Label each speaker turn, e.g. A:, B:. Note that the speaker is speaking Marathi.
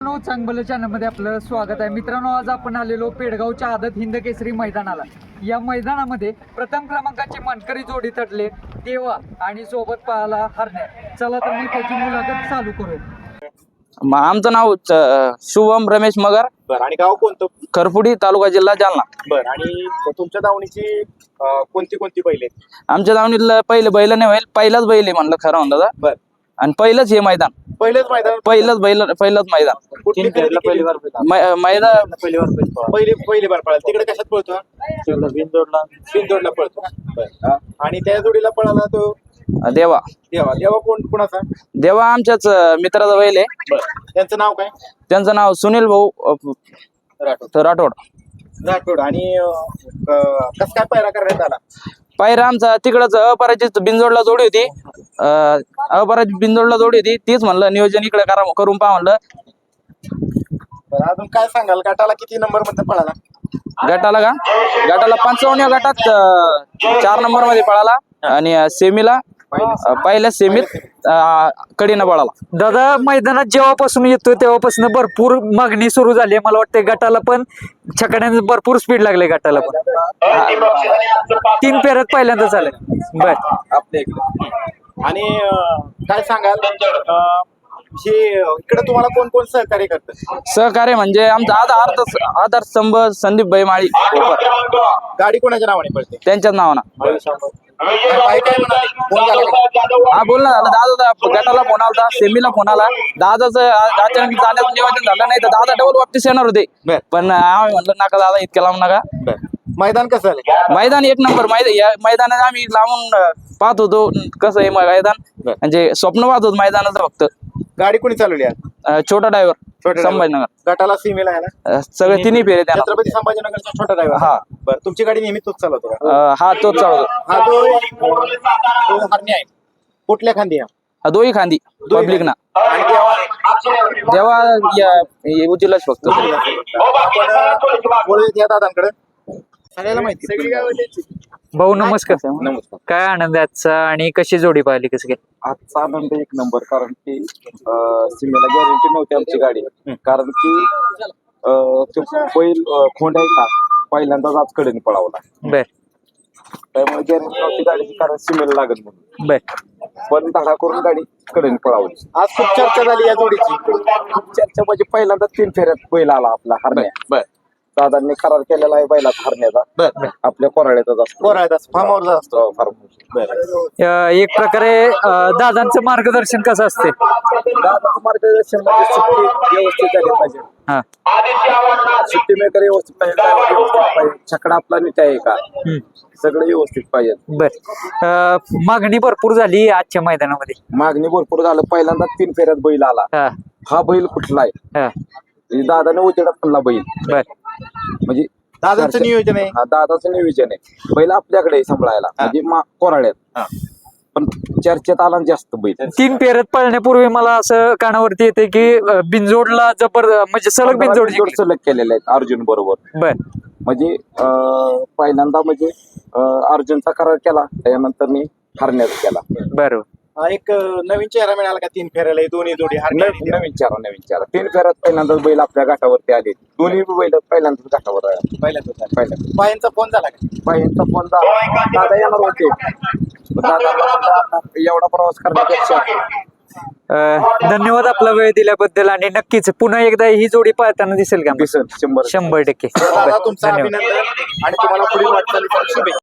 A: चांगलं चॅनलमध्ये आपलं स्वागत आहे मित्रांनो. आज आपण आलेलो पेडगावच्या आदत हिंद केसरी मैदानाला. या मैदानामध्ये प्रथम क्रमांकाची मानकरी जोडी ठरले देवा आणि सोबत पाहायला हरण्या. चला तर मी त्याची मुलाखत चालू करू.
B: आमचं नाव शुभम रमेश मगर.
C: बरं. आणि गाव कोणतं?
B: खरपुडी, तालुका, जिल्हा जालना.
C: बरं. आणि तुमच्या दावणीची कोणती कोणती बैल आहेत?
B: आमच्या दावणीला पहिले बैल नाही होईल, पहिलाच बैल आहे म्हणलं खरं म्हणलं.
C: बरं.
B: आणि पहिलंच हे मैदान,
C: पहिलेच मैदान,
B: पहिलंच मैदान.
C: कुठली खरेदी केली?
B: मैदान
C: पहिली बार पळाला. तिकडे कशात पळतो? बिनजोडला पळतो. बरं. आणि त्या जोडीला पळाला तो
B: देवा.
C: देवा कोणाचा?
B: देवा आमच्याच मित्राचा बैल आहे.
C: त्यांचं नाव काय?
B: त्यांचं नाव सुनील भाऊ राठोड.
C: राठोड. आणि कसं काय पायरा करण्यात आला?
B: पायरा आमचा तिकडच अपराजित बिनजोडला जोडी होती. अपराजित बिनजोडला जोडी होती, तीच म्हणलं नियोजन इकडे करून पहा म्हणलं.
C: बरं. अजून काय सांगाल? गटाला किती नंबर मध्ये पळाला?
B: गटाला 55 गटात 4 नंबर मध्ये पळाला. आणि सेमीला पहिल्या सेमीत कडीनं पळाला.
A: दादा, मैदानात जेव्हापासून येतो तेव्हापासून भरपूर मागणी सुरू झाली आहे. मला वाटतं गटाला पण छकड्याने भरपूर स्पीड लागले. गटाला पण 3 फेऱ्यात पहिल्यांदा झालं. बर.
C: आपल्या इकडे. आणि काय सांगाल? हे इकडे तुम्हाला कोण कोण सहकार्य करतं?
B: सहकार्य म्हणजे आमचा आधार स्तंभ संदीप भाई माळी.
C: गाडी कोणाच्या नावाने पळते?
B: त्यांच्याच नावानं.
C: काय म्हणाले? फोन झाला का?
B: हा, बोल ना झालं. दादा गटाला फोन आला, सेमीला फोन आला. दादाचं अचानक जाण्याचं नियोजन झालं नाही तर दादा डबल वापस येणार होते. पण आम्ही म्हणलं नका दादा, इतक्या लांब नका.
C: मैदान कसं झालं?
B: मैदान एक नंबर. मैदानात आम्ही लांबून पाहत होतो कसं आहे मैदान, म्हणजे स्वप्न पाहत होतो मैदानाचं. फक्त
C: गाडी कोणी चालवली?
B: छोटा ड्रायव्हर संभाजीनगर.
C: गटाला सीमेला आहे ना
B: सगळे तिन्ही फेरे त्याला.
C: छत्रपती संभाजीनगरचा छोटा ड्रायव्हर.
B: हा.
C: बरं. तुमची गाडी नेहमी तोच चालवतो का?
B: हा, तोच चालवतो.
C: हा तो हरणी आहे. कुठल्या खांदी?
B: हा, दोही खांदी पब्लिक ना.
C: आणि
B: तेव्हा उजिलाच फक्त.
C: आपण या दादांकडे सगळ्याला माहिती. सगळी गावाची.
A: भाऊ नमस्कार.
C: नमस्कार.
A: काय आनंद आहे आजचा आणि कशी जोडी पाहिली? कसं काय?
D: आजचा आनंद एक नंबर. कारण की सीमेला गॅरंटी नव्हती आमची गाडी. कारण की तो बैल खोंड आहे का पहिल्यांदाच आज कडेने पळावला.
A: बर.
D: त्यामुळे गॅरंटी नव्हती गाडीची, कारण सीमेला लागत म्हणून.
A: बर.
D: पण धडा करून गाडी कडेने पळावली.
C: आज खूप चर्चा झाली या जोडीची.
D: खूप चर्चा म्हणजे पहिल्यांदा 3 फेऱ्यात बैल आला आपला हरण्या.
C: बर.
D: दादांनी करार केलेला आहे बैलाचा हरण्याचा.
C: बर.
D: आपल्या कोराड्याचाच असतो.
C: कोराड्याचा फार्मवर असतो.
A: एक प्रकारे दादांचं मार्गदर्शन कसं असते?
D: दादाचं मार्गदर्शन म्हणजे सुट्टी व्यवस्थित झाली पाहिजे.
A: हा.
D: सुट्टी मेकर व्यवस्थित पाहिजे. छकडा आपला नीट आहे का, सगळं व्यवस्थित पाहिजे.
A: बर. मागणी भरपूर झाली आजच्या मैदानामध्ये.
D: मागणी भरपूर झालं. पहिल्यांदा 3 फेऱ्यात बैल आला. हा बैल कुठला आहे? दादाने उजेडात पडला बैल.
A: बर.
D: म्हणजे
C: दादांचं नियोजन आहे.
D: हा, दादाचं नियोजन आहे. बैल आपल्याकडे सांभाळायला म्हणजे कोराड्यात. पण चर्चेत आला जास्त बैल.
A: 3 फेऱ्यात पळण्यापूर्वी मला असं कानावरती येते की बिनजोडला म्हणजे सलग बिनजोड
D: सलग केलेले आहेत अर्जुन बरोबर.
A: बर.
D: म्हणजे पहिल्यांदा म्हणजे अर्जुनचा करार केला, त्यानंतर मी हरण्याचा केला.
A: बरोबर.
C: एक नवीन चेहरा मिळाला का 3 फेऱ्याला? दोन्ही जोडी
D: नवीन चारा 3 फेऱ्यात पहिल्यांदाच बैल आपल्या घाटावरती आले. दोन्ही बैल पहिल्यांदाच घाटावर आले.
C: पहिल्यांदा. बायांचा फोन झाला का?
D: बाईंचा फोन दादा येणार होते. दादा एवढा प्रवास करण्यापेक्षा.
A: धन्यवाद आपला वेळ दिल्याबद्दल. आणि नक्कीच पुन्हा एकदा ही जोडी पाहताना दिसेल का?
D: दिसेल 100%.
A: 100%.
C: दादा, तुमचं
A: धन्यवाद.
C: अभिनंदन आणि तुम्हाला पुढील वाटचालीसाठी शुभेच्छा.